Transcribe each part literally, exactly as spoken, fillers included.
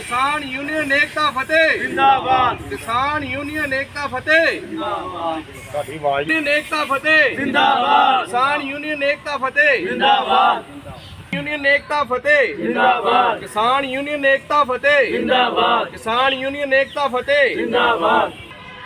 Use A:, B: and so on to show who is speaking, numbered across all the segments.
A: किसान यूनियन एकता फतेह जिंदाबाद। किसान यूनियन एकता फतेह जिंदाबाद। यूनियन एकता फतेह जिंदाबाद। किसान यूनियन एकता फतेह जिंदाबाद। यूनियन एकता फतेह जिंदाबाद। किसान यूनियन एकता फतेह जिंदाबाद। किसान यूनियन एकता फतेह जिंदाबाद।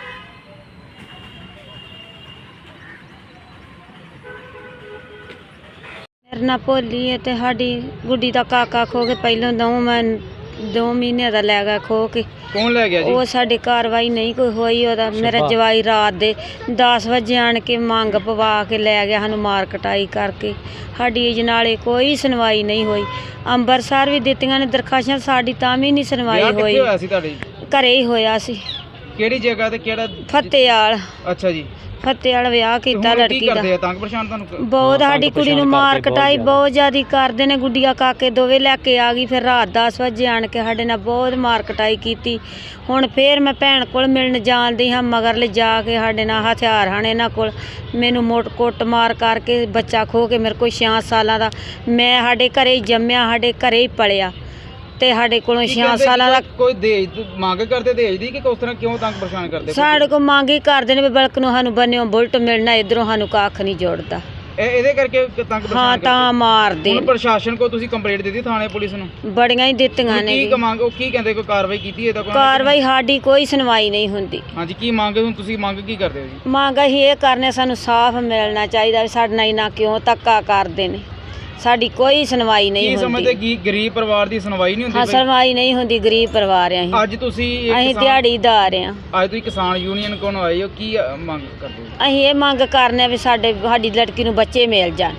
B: मेरा नाम भोली है तो साड़ी गुड्डी का काका खो के पहलों दो मैं दो महीने का लै गया खो के।
A: कौन ले गया जी?
B: वो साड़ी कार्रवाई नहीं कोई हुई। ओदा मेरा जवाई रात दे दस बजे आन के मंग पवा के लै गया सानू मार कटाई करके। साड़ी अजनाले कोई सुनवाई नहीं हुई। अंबरसर भी दित्तियां ने दरखास्तां साड़ी तां भी नहीं सुनवाई हुई। घरे ही होया सी।
A: केड़ी जगह ते केड़ा?
B: फतेहाल।
A: अच्छा जी।
B: फतेहाल विआह कीता लड़की दा।
A: तंग परेशान तुहानू
B: बहुत साड़ी कुड़ी नूं मार कटाई बहुत ज़्यादा करदे ने। गुड्डिया काके दोवे लैके आ गई। फिर रात दस बजे आन के साडे नाल बहुत मार कटाई की। हुण फिर मैं भैन कोल मिलण जांदी हाँ मगर ले जाके साडे नाल हथियार हन इन्हां कोल। मैनूं मोट कुट मार करके बच्चा खो के मेरे कोल छे सालां दा मैं साडे घरे ही जम्मिया साडे घरे ही पलिया ते साडे कोलों छे सालां दा। कोई
A: दहेज मंग करदे दहेज दी कि किस तरह क्यों तंग परेशान करदे?
B: साडे कोल मंग ही करदे ने बल्क नूं सानूं बन्निओं बुलट मिलना इधरों सानूं कख नहीं जुड़दा।
A: ਇਹਦੇ ਕਰਕੇ ਤੰਗ ਪਰੇਸ਼ਾਨ
B: हाँ ਤਾਂ ਮਾਰਦੇ।
A: ਹੁਣ ਪ੍ਰਸ਼ਾਸਨ ਕੋ ਤੁਸੀਂ ਕੰਪਲੇਂਟ ਦਿੱਤੀ ਥਾਣੇ ਪੁਲਿਸ ਨੂੰ?
B: ਬੜੀਆਂ ਹੀ ਦਿੱਤੀਆਂ ਨੇ।
A: ਕੀ ਮੰਗ ਉਹ ਕੀ ਕਹਿੰਦੇ ਕੋਈ ਕਾਰਵਾਈ ਕੀਤੀ ਹੈ ਤਾਂ ਕੋਈ?
B: ਕਾਰਵਾਈ ਸਾਡੀ ਕੋਈ ਸੁਣਵਾਈ ਨਹੀਂ ਹੁੰਦੀ।
A: ਹਾਂਜੀ ਕੀ ਮੰਗ ਹੁਣ ਤੁਸੀਂ ਮੰਗ ਕੀ ਕਰਦੇ ਹੋ ਜੀ?
B: ਮੰਗ ਅਸੀਂ ਇਹ ਕਰਨੇ ਸਾਨੂੰ ਸਾਫ਼ ਮਿਲਣਾ ਚਾਹੀਦਾ ਵੀ ਸਾਡੇ ਨਾਲ ਇੰਨਾ ਕਿਉਂ ਧੱਕਾ ਕਰਦੇ ਨੇ। ਸਾਡੀ ਕੋਈ ਸੁਣਵਾਈ ਨਹੀਂ
A: ਕੀ
B: ਹੁੰਦੀ।
A: ਸਮਝਦੇ ਕੀ ਗਰੀਬ ਪਰਿਵਾਰ ਦੀ ਸੁਣਵਾਈ ਨਹੀਂ ਹੁੰਦੀ?
B: ਹਾਂ ਸੁਣਵਾਈ ਨਹੀਂ ਹੁੰਦੀ। ਗਰੀਬ ਪਰਿਵਾਰ ਆ ਅਸੀਂ।
A: ਅੱਜ ਤੁਸੀਂ
B: ਅਸੀਂ ਦਿਹਾੜੀਦਾਰ ਆ।
A: ਅੱਜ ਤੁਸੀਂ ਕਿਸਾਨ ਯੂਨੀਅਨ ਕੋਲ ਆਏ ਹੋ ਕੀ ਮੰਗ ਕਰਦੇ ਹੋ?
B: ਅਸੀਂ ਇਹ ਮੰਗ ਕਰਨੇ ਵੀ ਸਾਡੇ ਸਾਡੀ ਲੜਕੀ ਨੂੰ ਬੱਚੇ ਮਿਲ ਜਾਣ।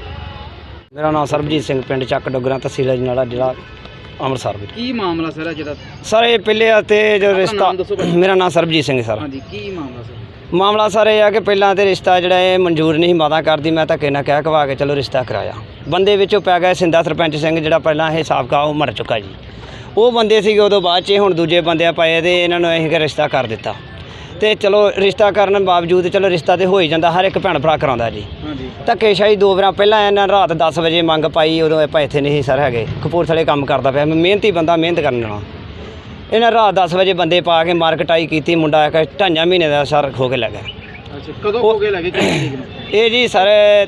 C: ਮੇਰਾ ਨਾਮ ਸਰਬਜੀਤ ਸਿੰਘ ਪਿੰਡ ਚੱਕ ਡੋਗਰਾ ਤਹਿਸੀਲ ਅਜਨਾਲਾ ਜ਼ਿਲ੍ਹਾ ਅੰਮ੍ਰਿਤਸਰ ਵਿੱਚ।
A: ਕੀ ਮਾਮਲਾ ਸਰ ਹੈ ਜਿਹੜਾ?
C: ਸਰ ਇਹ ਪਹਿਲੇ ਤੇ ਜੋ ਰਿਸ਼ਤਾ ਮੇਰਾ ਨਾਮ ਸਰਬਜੀਤ ਸਿੰਘ ਸਰ।
A: ਹਾਂਜੀ ਕੀ ਮਾਮਲਾ ਸਰ?
C: ਮਾਮਲਾ ਸਰ ਇਹ ਆ ਕਿ ਪਹਿਲਾਂ ਤੇ ਰਿਸ਼ਤਾ ਜਿਹੜਾ ਇਹ ਮਨਜ਼ੂਰ ਨਹੀਂ ਮਾਤਾ ਕਰਦੀ। ਮੈਂ ਧੱਕੇ ਨਾਲ ਕਹਿ ਕਵਾ ਕੇ ਚਲੋ ਰਿਸ਼ਤਾ ਕਰਾਇਆ। ਬੰਦੇ ਵਿੱਚੋਂ ਪੈ ਗਿਆ ਸਿੰਦਾ ਸਰਪੰਚ ਸਿੰਘ ਜਿਹੜਾ ਪਹਿਲਾਂ ਇਹ ਸਾਬਕਾ ਉਹ ਮਰ ਚੁੱਕਾ ਜੀ। ਉਹ ਬੰਦੇ ਸੀਗੇ ਉਦੋਂ ਬਾਅਦ 'ਚ ਹੁਣ ਦੂਜੇ ਬੰਦਿਆਂ ਪਏ ਤੇ ਇਹਨਾਂ ਨੂੰ ਅਸੀਂ ਰਿਸ਼ਤਾ ਕਰ ਦਿੱਤਾ। ਤੇ ਚਲੋ ਰਿਸ਼ਤਾ ਕਰਨ ਬਾਵਜੂਦ ਚਲੋ ਰਿਸ਼ਤਾ ਤੇ ਹੋ ਹੀ ਜਾਂਦਾ ਹਰ ਇੱਕ ਭੈਣ ਭਰਾ ਕਰਾਉਂਦਾ ਜੀ।
A: ਹਾਂਜੀ
C: ਧੱਕੇਸ਼ਾਹੀ ਦੋ ਵਾਰਾਂ ਪਹਿਲਾਂ ਇਹਨਾਂ ਰਾਤ ਦਸ ਵਜੇ ਮੰਗ ਪਾਈ। ਉਦੋਂ ਆਪਾਂ ਇੱਥੇ ਨਹੀਂ ਸਰ ਹੈਗੇ। ਕਪੂਰਥਲੇ ਕੰਮ ਕਰਦਾ ਪਿਆ ਮੈਂ ਮਿਹਨਤੀ ਬੰਦਾ ਮਿਹਨਤ ਕਰਨ ਵਾਲਾ। ਇਹਨਾਂ ਰਾਤ ਦਸ ਵਜੇ ਬੰਦੇ ਪਾ ਕੇ ਮਾਰ ਕਟਾਈ ਕੀਤੀ। ਮੁੰਡਾ ਇੱਕ ਢਾਈਆਂ ਮਹੀਨੇ ਦਾ ਸਰ ਖੋ ਕੇ ਲੈ ਗਿਆ।
A: ਅੱਛਾ ਕਦੋਂ ਹੋ ਗਏ ਲੱਗੇ ਕਿੰਨੀ ਤਰੀਕ ਨੂੰ?
C: ਇਹ ਜੀ ਸਰ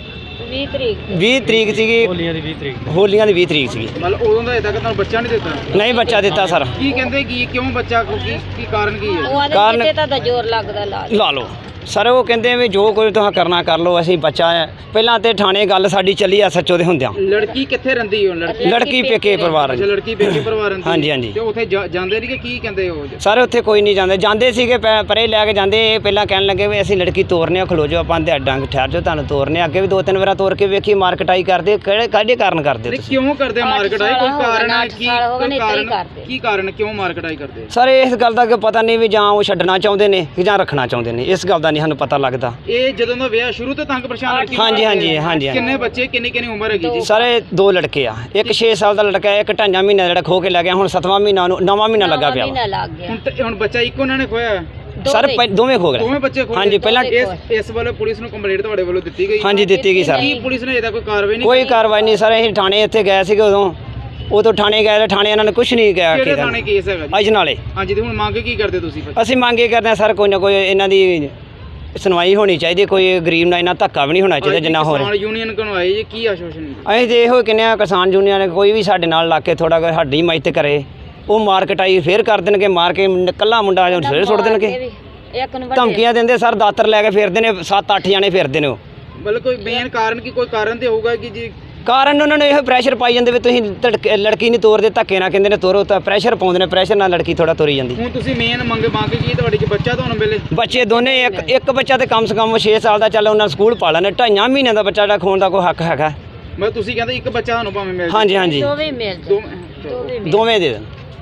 B: ਵੀਹ ਤਰੀਕ
C: ਵੀਹ ਤਰੀਕ ਸੀਗੀ। ਹੋਲੀਆਂ ਦੀ ਵੀਹ ਤਰੀਕ ਹੋਲੀਆਂ ਦੀ ਵੀਹ ਤਰੀਕ ਸੀਗੀ।
A: ਮਤਲਬ ਉਦੋਂ ਦਾ ਅਜੇ ਤੱਕ ਤੁਹਾਨੂੰ ਬੱਚਾ ਨਹੀਂ ਦਿੱਤਾ?
C: ਨਹੀਂ ਬੱਚਾ ਦਿੱਤਾ ਸਰ।
A: ਕੀ ਕਹਿੰਦੇ ਕੀ ਕਿਉਂ ਬੱਚਾ ਕੀ ਕੀ ਕਾਰਨ ਕੀ ਹੈ?
B: ਉਹ
C: ਕਾਰਨ-
B: ਆਦੇ ਤਾਂ ਜ਼ੋਰ ਲੱਗਦਾ ਲਾ
C: ਲਾ ਲਓ ਸਰ। ਉਹ ਕਹਿੰਦੇ ਵੀ ਜੋ ਕੋਈ ਤੁਸੀਂ ਕਰਨਾ ਕਰ ਲਓ ਅਸੀਂ ਬੱਚਾ ਹੈ। ਪਹਿਲਾਂ ਤੇ ਥਾਣੇ ਗੱਲ ਸਾਡੀ ਚੱਲੀ ਆ ਸੱਚੋ ਦੇ ਹੁੰਦਿਆਂ।
A: ਲੜਕੀ ਕਿੱਥੇ ਰਹਿੰਦੀ ਹੋ? ਲੜਕੀ
C: ਲੜਕੀ ਪੇਕੇ ਪਰਿਵਾਰ
A: ਅੱਛਾ ਲੜਕੀ ਪੇਕੇ ਪਰਿਵਾਰ ਰਹਿੰਦੀ?
C: ਹਾਂਜੀ ਹਾਂਜੀ।
A: ਤੇ ਉੱਥੇ ਜਾ- ਜਾਂਦੇ ਨਹੀਂ ਕਿ ਕੀ ਕਹਿੰਦੇ ਹੋ?
C: ਸਰ ਉੱਥੇ ਕੋਈ ਨਹੀਂ ਜਾਂਦੇ। ਜਾਂਦੇ ਸੀਗੇ ਪੈ- ਪਰੇ ਲੈ ਕੇ ਜਾਂਦੇ। ਇਹ ਪਹਿਲਾਂ ਕਹਿਣ ਲੱਗੇ ਵੀ ਅਸੀਂ ਲੜਕੀ ਤੋਰਨੇ ਆ ਖਲੋ ਜਾਓ ਆਪਾਂ ਦੇ ਡੰਗ ਠਹਿਰ ਜਾਓ ਤੁਹਾਨੂੰ ਤੋਰਨੇ ਆ। ਅੱਗੇ ਵੀ ਦੋ ਤਿੰਨ ਵਾਰ ਤੋਰ ਕੇ ਵੇਖੀ ਮਾਰ ਕਟਾਈ ਕਰਦੇ। ਕਿਹੜੇ ਕਾਹਦੇ ਕਾਰਨ ਕਰਦੇ
A: ਨਹੀਂ
C: ਤੁਸੀਂ?
A: ਕਿਉਂ ਕਰਦੇ ਮਾਰ ਕਟਾਈ? ਕੋਈ ਕਾਰਨ ਹੈ ਕੀ? ਕੋਈ ਕਾਰਨ
B: ਕਰਦੇ।
A: ਕੀ ਕਾਰਨ ਕੀ ਮਾਰ ਕਟਾਈ ਕਰਦੇ?
C: ਸਰ ਇਸ ਗੱਲ ਦਾ ਕਿ ਪਤਾ ਨਹੀਂ ਵੀ ਜਾਂ ਉਹ ਛੱਡਣਾ ਚਾਹੁੰਦੇ ਨੇ ਕਿ ਜਾਂ ਰੱਖਣਾ ਚਾਹੁੰਦੇ ਨੇ। ਇਸ ਗੱਲ ਦਾ ਨਹੀਂ ਸਾਨੂੰ ਪਤਾ ਲੱਗਦਾ।
A: ਇਹ ਜਦੋਂ ਦਾ ਵਿਆਹ ਸ਼ੁਰੂ ਤੋਂ ਤੰਗ ਪਰੇਸ਼ਾਨ ਲੜਕੀ?
C: ਹਾਂਜੀ ਹਾਂਜੀ ਹਾਂਜੀ।
A: ਕਿੰਨੇ ਬੱਚੇ ਕਿੰਨੀ ਕਿੰਨੀ ਉਮਰ ਹੈਗੀ ਜੀ?
C: ਸਰ ਇਹ ਦੋ ਲੜਕੇ ਆ। ਇੱਕ ਛੇ ਸਾਲ ਦਾ ਲੜਕਾ ਹੈ। ਇੱਕ ਢਾਈਆਂ ਮਹੀਨੇ ਦਾ ਜਿਹੜਾ ਖੋ ਕੇ ਲੈ ਗਿਆ। ਹੁਣ ਸੱਤਵਾਂ ਮਹੀਨਾ ਨੂੰ ਨਵਾਂ ਮਹੀਨਾ ਲੱਗਾ ਪਿਆ ਵਾ।
B: ਮਹੀਨਾ ਲੱਗ ਗਿਆ।
A: ਹੁਣ ਤੇ- ਹੁਣ ਬੱਚਾ ਇੱਕੋ ਉਹਨਾਂ ਨੇ ਖੋਇਆ?
C: ਸਰ ਪਹਿ- ਦੋਵੇਂ ਖੋ ਗਏ।
A: ਦੋਵੇਂ ਬੱਚੇ ਖੋਏ?
C: ਹਾਂਜੀ ਪਹਿਲਾਂ
A: ਇਸ ਇਸ ਵੱਲੋਂ ਪੁਲਿਸ ਨੂੰ ਕੰਪਲੇਂਟ ਤੁਹਾਡੇ ਵੱਲੋਂ ਦਿੱਤੀ ਗਈ?
C: ਹਾਂਜੀ ਦਿੱਤੀ ਗਈ ਸਰ।
A: ਕੀ ਪੁਲਿਸ ਨੇ ਇਹਦਾ ਕੋਈ ਕਾਰਵਾਈ ਨਹੀਂ?
C: ਕੋਈ ਕਾਰਵਾਈ ਨਹੀਂ ਸਰ। ਅਸੀਂ ਥਾਣੇ ਇੱਥੇ ਗਏ ਸੀਗੇ ਉਦੋਂ ਉਦੋਂ ਥਾਣੇ ਗਏ ਤੇ ਥਾਣੇ ਇਹਨਾਂ ਨੇ ਕੁਝ ਨਹੀਂ ਕਿਹਾ।
A: ਕਿਹੜੇ ਥਾਣੇ ਕੇਸ ਹੈਗਾ ਜੀ?
C: ਅਜਨਾਲੇ।
A: ਹਾਂਜੀ ਤੇ ਹੁਣ ਮੰਗ ਕੀ ਕਰਦੇ ਤੁਸੀਂ ਫਿਰ?
C: ਅਸੀਂ ਮੰਗ ਇਹ ਕਰਦੇ ਹਾਂ ਸਰ ਕੋਈ ਨਾ ਕੋਈ ਇਹਨਾਂ ਦੀ ਸੁਣਵਾਈ ਹੋਣੀ ਚਾਹੀਦੀ। ਕੋਈ ਗਰੀਬ ਨਾਲ ਇੰਨਾ ਧੱਕਾ ਵੀ ਨਹੀਂ ਹੋਣਾ ਚਾਹੀਦਾ ਜਿੰਨਾ ਹੋ ਰਿਹਾ।
A: ਕਿਸਾਨ ਯੂਨੀਅਨ ਕੋਲ ਆਏ ਜੀ ਕੀ ਆਸ਼ਵਾਸਨ?
C: ਅਸੀਂ ਤੇ ਇਹੋ ਕਹਿੰਦੇ ਹਾਂ ਕਿਸਾਨ ਯੂਨੀਅਨ ਨੇ ਕੋਈ ਵੀ ਸਾਡੇ ਨਾਲ ਲਾ ਕੇ ਥੋੜਾ ਜਿਹਾ ਸਾਡੀ ਮਦਦ ਕਰੇ। ਉਹ ਮਾਰ ਕਟਾਈ ਫੇਰ ਕਰ ਦੇਣਗੇ। ਮਾਰ ਕੇ ਕੱਲਾ ਮੁੰਡਾ ਫੇਰ ਸੁੱਟ ਦੇਣਗੇ।
B: ਇੱਕ ਨੂੰ
C: ਧਮਕੀਆਂ ਦਿੰਦੇ ਸਰ। ਦਾਤਰ ਲੈ ਕੇ ਫਿਰਦੇ ਨੇ। ਸੱਤ ਅੱਠ ਜਾਣੇ ਫਿਰਦੇ ਨੇ ਉਹ।
A: ਮਤਲਬ ਕੋਈ ਮੇਨ ਕਾਰਨ ਕੀ? ਕੋਈ ਕਾਰਨ ਤੇ ਹੋਊਗਾ ਕਿ ਜੀ?
C: ਕਾਰਨ ਉਹਨਾਂ ਨੇ ਇਹੋ ਪ੍ਰੈਸ਼ਰ ਪਾਈ ਜਾਂਦੇ ਵੀ ਤੁਸੀਂ ਧੜਕੇ- ਲੜਕੀ ਨਹੀਂ ਤੋਰਦੇ। ਧੱਕੇ ਨਾਲ ਕਹਿੰਦੇ ਨੇ ਤੋਰੋ ਤਾਂ ਪ੍ਰੈਸ਼ਰ ਪਾਉਂਦੇ ਨੇ। ਪ੍ਰੈਸ਼ਰ ਨਾਲ ਲੜਕੀ ਥੋੜਾ ਤੋਰੀ ਜਾਂਦੀ।
A: ਹੁਣ ਤੁਸੀਂ ਮੇਨ ਮੰਗ ਮੰਗ ਕੀ ਤੁਹਾਡੀ ਕਿ ਬੱਚਾ ਤੁਹਾਨੂੰ ਮਿਲੇ?
C: ਬੱਚੇ ਦੋਨੇ ਇੱਕ ਇੱਕ ਬੱਚਾ ਤੇ ਕਮ ਸੇ ਕਮ ਛੇ ਸਾਲ ਦਾ ਚੱਲ ਉਹਨਾਂ ਸਕੂਲ ਪਾ ਲੈਣੇ। ਢਾਈਆਂ ਮਹੀਨਿਆਂ ਦਾ ਬੱਚਾ ਜਿਹੜਾ ਖੋਣ ਦਾ ਕੋਈ ਹੱਕ ਹੈਗਾ।
A: ਮੈਂ ਤੁਸੀਂ ਕਹਿੰਦੇ ਇੱਕ ਬੱਚਾ ਤੁਹਾਨੂੰ ਭਾਵੇਂ ਮਿਲ ਜਾਏ।
C: ਹਾਂਜੀ ਹਾਂਜੀ
B: ਦੋਵੇਂ ਮਿਲ
A: ਦੋ
B: ਦੋਵੇਂ
C: ਦੋਵੇਂ ਦੇ ਦੇਣ।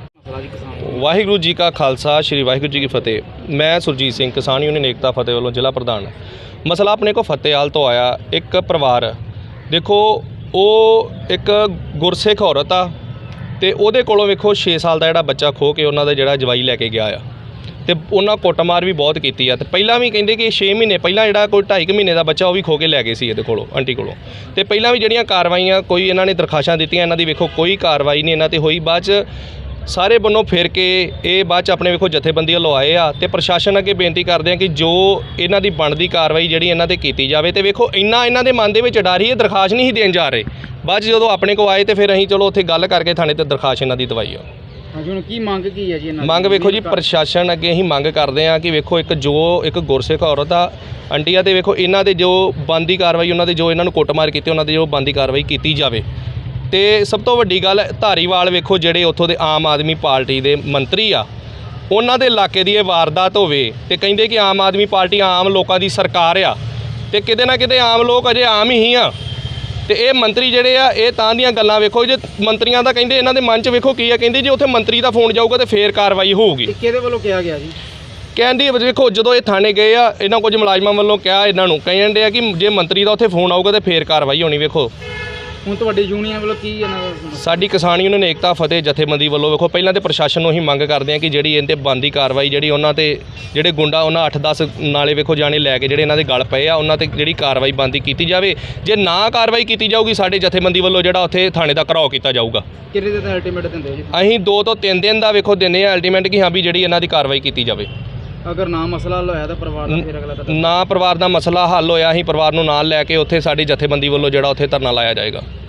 D: ਵਾਹਿਗੁਰੂ ਜੀ ਕਾ ਖਾਲਸਾ ਸ਼੍ਰੀ ਵਾਹਿਗੁਰੂ ਜੀ ਕੀ ਫਤਿਹ। ਮੈਂ ਸੁਰਜੀਤ ਸਿੰਘ ਕਿਸਾਨ ਯੂਨੀਅਨ ਏਕਤਾ ਫਤਿਹ ਵੱਲੋਂ ਜ਼ਿਲ੍ਹਾ ਪ੍ਰਧਾਨ। ਮਸਲਾ ਆਪਣੇ ਕੋ ਫਤਿਹਾਲ ਤੋਂ ਆਇਆ। ਇੱਕ ਪਰਿਵਾਰ ਦੇਖੋ ਉਹ ਇੱਕ ਗੁਰਸਿੱਖ ਔਰਤ ਆ ਤੇ ਉਹਦੇ ਕੋਲੋਂ ਵੇਖੋ ਛੇ ਸਾਲ ਦਾ ਜਿਹੜਾ ਬੱਚਾ ਖੋ ਕੇ ਉਹਨਾਂ ਦਾ ਜਿਹੜਾ ਜਵਾਈ ਲੈ ਕੇ ਗਿਆ ਆ ਤੇ ਉਹਨਾਂ ਕੁੱਟਮਾਰ ਵੀ ਬਹੁਤ ਕੀਤੀ ਆ। ਤੇ ਪਹਿਲਾਂ ਵੀ ਕਹਿੰਦੇ ਕਿ ਛੇ ਮਹੀਨੇ ਪਹਿਲਾਂ ਜਿਹੜਾ ਕੋਈ ਢਾਈ ਕੁ ਮਹੀਨੇ ਦਾ ਬੱਚਾ ਉਹ ਵੀ ਖੋ ਕੇ ਲੈ ਗਏ ਸੀ ਇਹਦੇ ਕੋਲੋਂ ਆਂਟੀ ਕੋਲੋਂ। ਤੇ ਪਹਿਲਾਂ ਵੀ ਜਿਹੜੀਆਂ ਕਾਰਵਾਈਆਂ ਕੋਈ ਇਹਨਾਂ ਨੇ ਦਰਖਾਸ਼ਾਂ ਦਿੱਤੀਆਂ ਇਹਨਾਂ ਦੀ ਵੇਖੋ ਕੋਈ ਕਾਰਵਾਈ ਨਹੀਂ ਇਹਨਾਂ 'ਤੇ ਹੋਈ। ਬਾਅਦ 'ਚ ਸਾਰੇ ਬੰਨੋਂ ਫਿਰ ਕੇ ਇਹ ਬਾਅਦ 'ਚ ਆਪਣੇ ਵੇਖੋ ਜਥੇਬੰਦੀਆਂ ਲਵਾਏ ਆ ਤੇ ਪ੍ਰਸ਼ਾਸਨ ਅੱਗੇ ਬੇਨਤੀ ਕਰਦੇ ਆ ਕਿ ਜੋ ਇਹਨਾਂ ਦੀ ਬਣਦੀ ਕਾਰਵਾਈ ਜਿਹੜੀ ਇਹਨਾਂ ਤੇ ਕੀਤੀ ਜਾਵੇ। ਤੇ ਵੇਖੋ ਇੰਨਾ ਇਹਨਾਂ ਦੇ ਮਨ ਦੇ ਵਿੱਚ ਡਰ ਹੀ ਇਹ ਦਰਖਾਸਤ ਨਹੀਂ ਸੀ ਦੇਣ ਜਾ ਰਹੇ। ਬਾਅਦ 'ਚ ਜਦੋਂ ਆਪਣੇ ਕੋਲ ਆਏ ਤੇ ਫਿਰ ਅਸੀਂ ਚਲੋ ਉੱਥੇ ਗੱਲ ਕਰਕੇ ਥਾਣੇ ਤੇ ਦਰਖਾਸਤ ਇਹਨਾਂ ਦੀ ਦਵਾਈ ਆ।
E: ਹਾਂਜੀ, ਹੁਣ ਕੀ ਮੰਗ ਕੀ ਹੈ ਜੀ ਇਹਨਾਂ ਦੀ?
D: ਮੰਗ ਵੇਖੋ ਜੀ, ਪ੍ਰਸ਼ਾਸਨ ਅੱਗੇ ਅਸੀਂ ਮੰਗ ਕਰਦੇ ਆ ਕਿ ਵੇਖੋ ਇੱਕ ਜੋ ਇੱਕ ਗੁਰਸਿੱਖ ਔਰਤ ਆ ਆਂਟੀ ਆ ਤੇ ਵੇਖੋ ਇਹਨਾਂ ਦੇ ਜੋ ਬਣਦੀ ਕਾਰਵਾਈ ਉਹਨਾਂ ਦੇ ਜੋ ਇਹਨਾਂ ਨੂੰ ਕੁੱਟਮਾਰ ਕੀਤੀ ਉਹਨਾਂ ਦੇ ਜੋ ਬਣਦੀ ਕਾਰਵਾਈ ਕੀਤੀ ਜਾਵੇ। ਤੇ ਸਭ ਤੋਂ ਵੱਡੀ ਗੱਲ ਧਾਰੀਵਾਲ ਵੇਖੋ ਜਿਹੜੇ ਉੱਥੋਂ ਦੇ ਆਮ ਆਦਮੀ ਪਾਰਟੀ ਦੇ ਮੰਤਰੀ ਆ ਉਹਨਾਂ ਦੇ ਇਲਾਕੇ ਦੀ ਇਹ ਵਾਰਦਾਤ ਹੋਵੇ ਤੇ ਕਹਿੰਦੇ ਕਿ ਆਮ ਆਦਮੀ ਪਾਰਟੀ ਆਮ ਲੋਕਾਂ ਦੀ ਸਰਕਾਰ ਆ ਤੇ ਕਿਤੇ ਨਾ ਕਿਤੇ ਆਮ ਲੋਕ ਅਜੇ ਆਮ ਹੀ ਆ ਤੇ ਇਹ ਮੰਤਰੀ ਜਿਹੜੇ ਆ ਇਹ ਤਾਂ ਦੀਆਂ ਗੱਲਾਂ ਵੇਖੋ ਜੇ ਮੰਤਰੀਆਂ ਦਾ ਕਹਿੰਦੇ ਇਹਨਾਂ ਦੇ ਮਨ 'ਚ ਵੇਖੋ ਕੀ ਆ, ਕਹਿੰਦੇ ਜੇ ਉੱਥੇ ਮੰਤਰੀ ਦਾ ਫੋਨ ਜਾਊਗਾ ਤੇ ਫੇਰ ਕਾਰਵਾਈ ਹੋਊਗੀ।
E: ਕਿਹਦੇ ਵੱਲੋਂ ਕਿਹਾ ਗਿਆ ਜੀ?
D: ਕਹਿੰਦੀ ਵੇਖੋ ਜਦੋਂ ਇਹ ਥਾਣੇ ਗਏ ਆ ਇਹਨਾਂ ਕੁਝ ਮੁਲਾਜ਼ਮਾਂ ਵੱਲੋਂ ਕਿਹਾ ਇਹਨਾਂ ਨੂੰ ਕਹਿੰਦੇ ਆ ਕਿ ਜੇ ਮੰਤਰੀ ਦਾ ਉੱਥੇ ਫੋਨ ਆਊਗਾ ਤੇ ਫੇਰ ਕਾਰਵਾਈ ਹੋਣੀ। ਵੇਖੋ
E: ਹੁਣ ਤੁਹਾਡੀ ਯੂਨੀਅਨ ਵੱਲੋਂ ਕੀ ਇਹਨਾਂ ਦਾ?
D: ਸਾਡੀ ਕਿਸਾਨ ਯੂਨੀਅਨ ਏਕਤਾ ਫਤਿਹ ਜਥੇਬੰਦੀ ਵੱਲੋਂ ਵੇਖੋ ਪਹਿਲਾਂ ਤੇ ਪ੍ਰਸ਼ਾਸਨ ਨੂੰ ਹੀ ਮੰਗ ਕਰਦੇ ਆ ਕਿ ਜਿਹੜੀ ਇਹਨਾਂ 'ਤੇ ਬਣਦੀ ਕਾਰਵਾਈ ਜਿਹੜੀ ਉਹਨਾਂ 'ਤੇ ਜਿਹੜੇ ਗੁੰਡਾ ਉਹਨਾਂ ਅੱਠ ਦਸ ਨਾਲੇ ਵੇਖੋ ਜਾਣੇ ਲੈ ਕੇ ਜਿਹੜੇ ਇਹਨਾਂ ਦੇ ਗਲ ਪਏ ਆ ਉਹਨਾਂ 'ਤੇ ਜਿਹੜੀ ਕਾਰਵਾਈ ਬਣਦੀ ਕੀਤੀ ਜਾਵੇ। ਜੇ ਨਾ ਕਾਰਵਾਈ ਕੀਤੀ ਜਾਊਗੀ ਸਾਡੇ ਜਥੇਬੰਦੀ ਵੱਲੋਂ ਜਿਹੜਾ ਉੱਥੇ ਥਾਣੇ ਦਾ ਘਰਾਓ ਕੀਤਾ ਜਾਊਗਾ।
E: ਕਿੰਨੇ ਦਿਨ ਦਾ ਅਲਟੀਮੇਟ ਦਿੰਦੇ ਹੋ ਜੀ?
D: ਅਸੀਂ ਦੋ ਤੋਂ ਤਿੰਨ ਦਿਨ ਦਾ ਵੇਖੋ ਦਿੰਦੇ ਆ ਅਲਟੀਮੇਟ ਕਿ ਹਾਂ ਵੀ ਜਿਹੜੀ ਇਹਨਾਂ ਦੀ ਕਾਰਵਾਈ ਕੀਤੀ ਜਾਵੇ।
E: ਅਗਰ ਨਾ ਮਸਲਾ ਹੱਲ ਹੋਇਆ ਤਾਂ ਪਰਿਵਾਰ ਦਾ ਫਿਰ ਅਗਲਾ ਕਦਮ?
D: ਨਾ ਪਰਿਵਾਰ ਦਾ ਮਸਲਾ ਹੱਲ ਹੋਇਆ ਅਸੀਂ ਪਰਿਵਾਰ ਨੂੰ ਨਾਲ ਲੈ ਕੇ ਉੱਥੇ ਸਾਡੀ ਜਥੇਬੰਦੀ ਵੱਲੋਂ ਜਿਹੜਾ ਉੱਥੇ ਧਰਨਾ ਲਾਇਆ ਜਾਏਗਾ।